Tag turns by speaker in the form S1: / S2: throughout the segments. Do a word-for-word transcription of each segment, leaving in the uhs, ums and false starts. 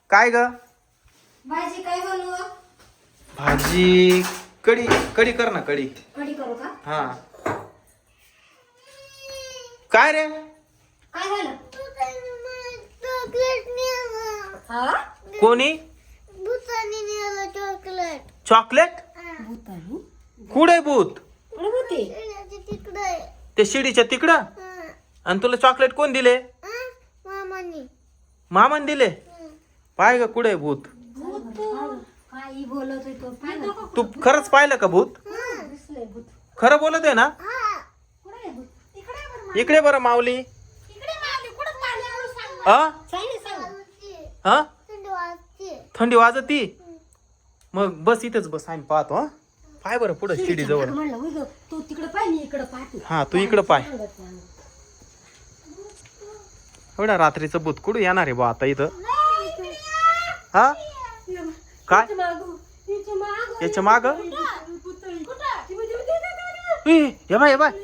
S1: काय ग?
S2: भाजी काय बनवू?
S1: भाजी कढी कढी कर ना कढी.
S2: कढी करू का?
S1: हा. काय रे?
S2: काय झालं? हा?
S1: कोणी?
S3: चॉकलेट.
S1: चॉकलेट?
S2: भूतानी?
S1: कुठे भूत?
S2: कुठे होते?
S3: तिकडे
S1: ते शिडीच्या तिकडं? आणि तुला चॉकलेट कोण दिले?
S3: मामानी.
S1: मामान दिले? पाय ग कुठे भूत?
S2: भूत काही बोलतोय तो पाहिलं का?
S1: तू खरंच पाहिलं का भूत?
S2: दिसलंय भूत.
S1: खरं बोलत आहे ना?
S2: कुठे आहे भूत? इकडे आहे बरं.
S1: इकडे बरं माऊली.
S2: इकडे मारली. कुठं मारली? एवढं सांग.
S1: हा
S2: सांग ना, सांग.
S1: हा
S3: थंडी वाजते.
S1: थंडी वाजती? मग बस इथेच बस आम्ही पाहतो. हा पाय बरं पुढं शिडी जवळ.
S2: म्हणलं होय गं, तू तिकडे पाय मी इकडे पाहते.
S1: हा तू इकडं पाय.
S2: सांगत नाही.
S1: एवढा रात्रीचं भूत कुठं येणार आहे बा आता इथं? हा काय
S2: इथं मागं, इथं मागं.
S1: याच्या माग
S2: कुठं?
S1: हे बाय हे बाय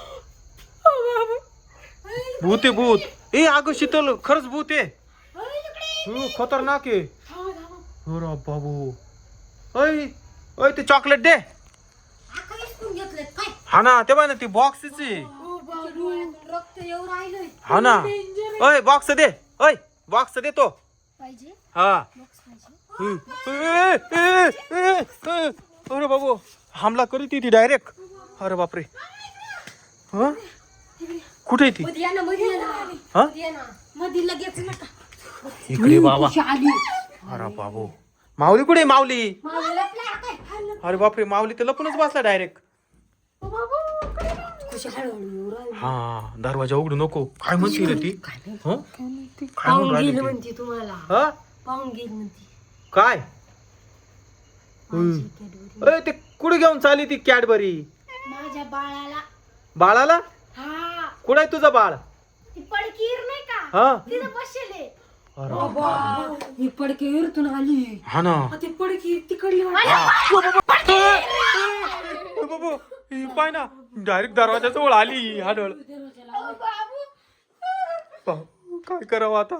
S1: भूत आहे भूत. ए अगं शीतल खरंच भूत आहे. हो, खतरनाक आहे. अरे बाबू. ओय ओय ते चॉकलेट दे.
S2: आता इसकून घेतलंय काय?
S1: हा ना ते बाय ना ती बॉक्सच आहे.
S2: डोळ्यातून रक्त येऊ राहिलंय.
S1: हा ना. ओय बॉक्स दे. ओय बॉक्स दे तो.
S2: पाहिजे
S1: हा
S2: बॉक्स पाहिजे.
S1: ए, ए, ए, ए. अरे बाबू हमला करीत ती डायरेक्ट. अरे बापरे. हा कुठे आहे ती?
S2: मध्ये या ना, मध्ये या ना.
S1: हा
S2: मध्ये या ना. मध्ये लगेच नका.
S1: इकडे बाबा.
S2: कशी आली?
S1: अरे बाबू माऊली कुठे आहे माऊली?
S2: मला लपला काय? हल्लं.
S1: अरे बापरे माऊली तर लपूनच बसला डायरेक्ट.
S2: कशी हळूहळू येऊ राहिली.
S1: हा दरवाजा उघडू नको. काय म्हणते रे ती? हं? काय म्हणून
S2: पाहून
S1: राहिली
S2: गेली
S1: ती?
S2: म्हणते तुम्हाला.
S1: हा
S2: पाहून गेली म्हणते.
S1: काय?
S2: माझी कॅडबरी.
S1: अरे ते कुठे घेऊन चालली ती कॅडबरी?
S2: माझ्या बाळाला.
S1: बाळाला?
S2: हा
S1: कुठे आहे तुझं बाळ?
S2: ती पडकीर नाही का?
S1: हा
S2: तिथं बसले.
S1: अरे
S2: ही पडकी इरतून आली.
S1: हा ना.
S2: ती पडकी तिकडली
S1: बाबू ही पाय ना डायरेक्ट दरवाजा जवळ आली हाडळ. काय करावं आता?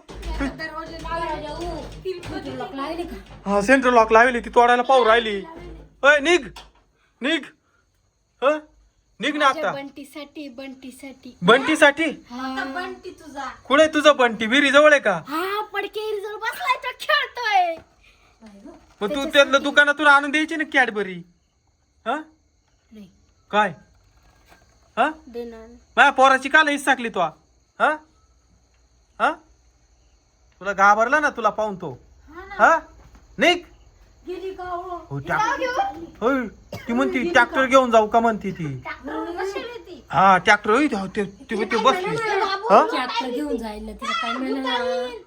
S1: हा सेंट्रल लॉक लावली ती तोडायला पाहू राहिली. अय निघ निघ. ह निघ ना आता.
S2: बंटीसाठी बंटीसाठी
S1: बंटीसाठी?
S2: बंटी तुझा.
S1: कुठे तुझं बंटी? विहिरी जवळ आहे का?
S2: हा पडकेरी जवळ बसलाय तो खेळतोय.
S1: मग तू त्यातलं दुकानातून आणून द्यायची ना कॅडबरी. हा
S2: नाही
S1: काय? हा
S2: देणार.
S1: माझ्या पोराची काल हिस्सा टाकली तू? हा हा तुला घाबरला ना तुला पाहून तो? हा निघ.
S2: गेली का हो?
S1: हो ट्रॅक्टर. होय ती म्हणती ट्रॅक्टर घेऊन जाऊ का म्हणती ती. हा ट्रॅक्टर होय ते ते ते बसली. हा
S2: ट्रॅक्टर घेऊन जायला तिला काय मिळणार?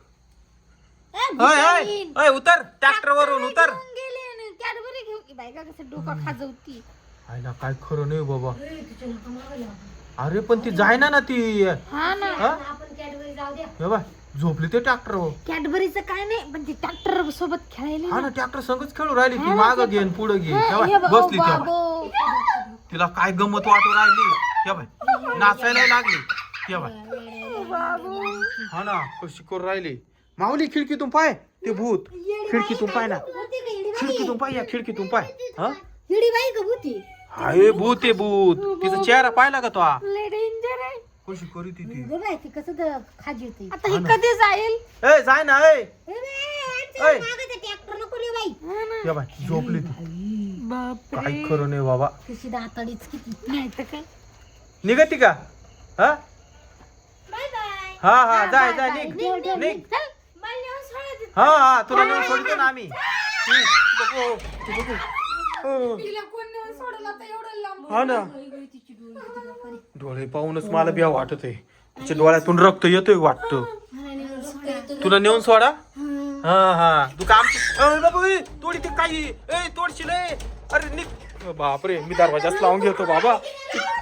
S1: होय होय होय उतर ट्रॅक्टर वरून उतर.
S2: कॅडबरी घेऊन की बायका कसं डोका खाजवती.
S1: आयला काय खरं नाही बाबा. अरे पण ती जायना ना ती.
S2: हा ना.
S1: हा?
S2: आपण कॅडबरी जाऊ द्या.
S1: हे बाय झोपली ते ट्रॅक्टर.
S2: कॅडबरीचं काय नाही पण ती ट्रॅक्टर सोबत खेळायला.
S1: हा ना ट्रॅक्टर संगच खेळू राहिली ती. माग घेन पुढे घे.
S2: हे
S1: तेव्हा
S2: बघ,
S1: बसली
S2: ओ
S1: तेव्हा
S2: बाबो.
S1: तिला काय गंमत वाटू राहिली. तेव्हा नाचायला लागली. तेव्हा हा ना कशी करू राहिली. माऊली खिडकीतून पाय ते भूत. खिडकीतून पाय ना. खिडकीतून पाय या खिडकीतून पाय. हा
S2: हिडी बाई का भूती?
S1: हाय भूत आहे भूत. तिचा चेहरा पाहिला का तो?
S2: लय डेंजर आहे.
S1: कशी करी ती ती.
S2: बघ ती कसं तर खाजी होती. आता ही कधी जाईल?
S1: ए जाय ना ए. ऐ.
S2: ट्रॅक्टर नको रे बाई.
S1: या बाय झोपली ती. काय खरं नाही बाबा.
S2: कशी दाताडीच किती नाही तर काय.
S1: निघती का? हा
S2: बाय बाय.
S1: हा हा जाय जाय निघ निघ. हा हा तुला नेऊन सोडतो ना आम्ही. हम्म, बघू, बघू. हो. हा ना डोळे पाहूनच मला बिया वाटत आहे. तिच्या डोळ्यातून रक्त येतोय वाटतं. तुला नेऊन सोडा. हा हा तू काम तोडी ते काही ए तोडशील. अरे निघ. बापरे मी दरवाजाच लावून घेतो बाबा.